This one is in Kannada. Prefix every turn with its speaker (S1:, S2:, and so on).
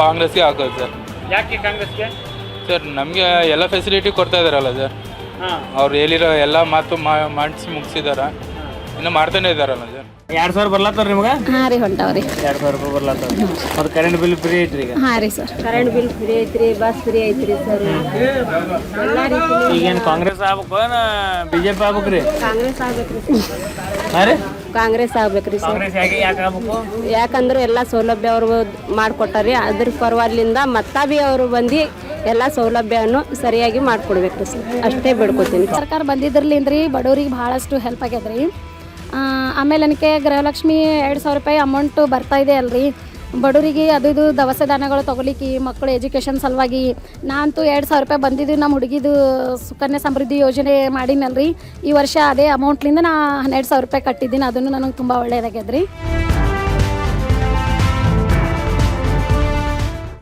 S1: ಕಾಂಗ್ರೆಸ್ಗೆ ಹಾಕೋದು ಸರ್.
S2: ಯಾಕೆ ಕಾಂಗ್ರೆಸ್ಗೆ?
S1: ಸರ್ ನಮಗೆ ಎಲ್ಲ ಫೆಸಿಲಿಟಿ ಕೊಡ್ತಾ ಇದಾರಲ್ಲ ಸರ್, ಅವ್ರು ಹೇಳಿರೋ ಎಲ್ಲ ಮಾತು ಮಾಡಿಸಿ ಮುಗಿಸಿದಾರ, ಇನ್ನು ಮಾಡ್ತಾನೆ ಇದಾರಲ್ಲ ಸರ್.
S2: 2000 ಬರ್ಲತ್ತಾರ ನಿಮ್ಗೆ?
S3: ಹಾಂ ರೀ ಹೊಂಟಾವ್ರಿ.
S2: 2000 ರೂಪಾಯಿ ಬರ್ಲತ್ತಾರ. ಮತ್ತು ಕರೆಂಟ್ ಬಿಲ್ ಫ್ರೀ ಐತ್ರಿ ಈಗ?
S3: ಹಾಂ ರೀ ಸರ್,
S4: ಕರೆಂಟ್ ಬಿಲ್ ಫ್ರೀ ಐತ್ರಿ, ಬಸ್ ಫ್ರೀ ಐತ್ರಿ ಸರ್. ಎಲ್ಲ ರೀತಿ
S2: ಈಗೇನು ಕಾಂಗ್ರೆಸ್ ಆಗ್ಬೇಕು ಏನ BJP ಆಗ್ಬೇಕ್ರಿ?
S4: ಕಾಂಗ್ರೆಸ್ ಆಗ್ಬೇಕ್ರಿ ಸರ್.
S2: ಹಾಂ ರೀ,
S4: ಕಾಂಗ್ರೆಸ್ ಆಗ್ಬೇಕ್ರಿ ಸರ್.
S2: ಕಾಂಗ್ರೆಸ್ ಯಾಕೆ ಆಗ್ಬೇಕು?
S4: ಯಾಕಂದ್ರೆ ಎಲ್ಲ ಸೌಲಭ್ಯ ಅವರು ಮಾಡಿಕೊಟ್ಟಾರಿ, ಅದ್ರ ಪರವಾಗಿಲಿಂದ ಮತ್ತ ಬಿ ಅವರು ಬಂದು ಎಲ್ಲ ಸೌಲಭ್ಯವನ್ನು ಸರಿಯಾಗಿ ಮಾಡಿಕೊಡ್ಬೇಕ್ರಿ ಸರ್, ಅಷ್ಟೇ ಬೇಡ್ಕೊತೀನಿ.
S3: ಸರ್ಕಾರ ಬಂದಿದ್ರಲಿಂದ್ರಿ ಬಡವ್ರಿಗೆ ಭಾಳಷ್ಟು ಹೆಲ್ಪ್ ಆಗ್ಯದ್ರಿ. ಆಮೇಲೆ ನನಗೆ ಗೃಹಲಕ್ಷ್ಮಿ 2000 ರೂಪಾಯಿ ಅಮೌಂಟು ಬರ್ತಾ ಇದೆ ಅಲ್ರಿ ಬಡವರಿಗೆ. ಅದು ಇದು ದವಸ ಧಾನ್ಯಗಳು ತೊಗೊಲಿಕ್ಕೆ, ಮಕ್ಕಳು ಎಜುಕೇಷನ್ ಸಲುವಾಗಿ ನಾನಂತೂ 2000 ರೂಪಾಯಿ ಬಂದಿದ್ದು ನಮ್ಮ ಹುಡುಗಿದು ಸುಕನ್ಯಾ ಸಮೃದ್ಧಿ ಯೋಜನೆ ಮಾಡಿನಲ್ರಿ. ಈ ವರ್ಷ ಅದೇ ಅಮೌಂಟ್ಲಿಂದ ನಾ 12,000 ರೂಪಾಯಿ ಕಟ್ಟಿದ್ದೀನಿ. ಅದನ್ನು ನನಗೆ ತುಂಬ ಒಳ್ಳೆಯದಾಗ್ಯದ್ರಿ.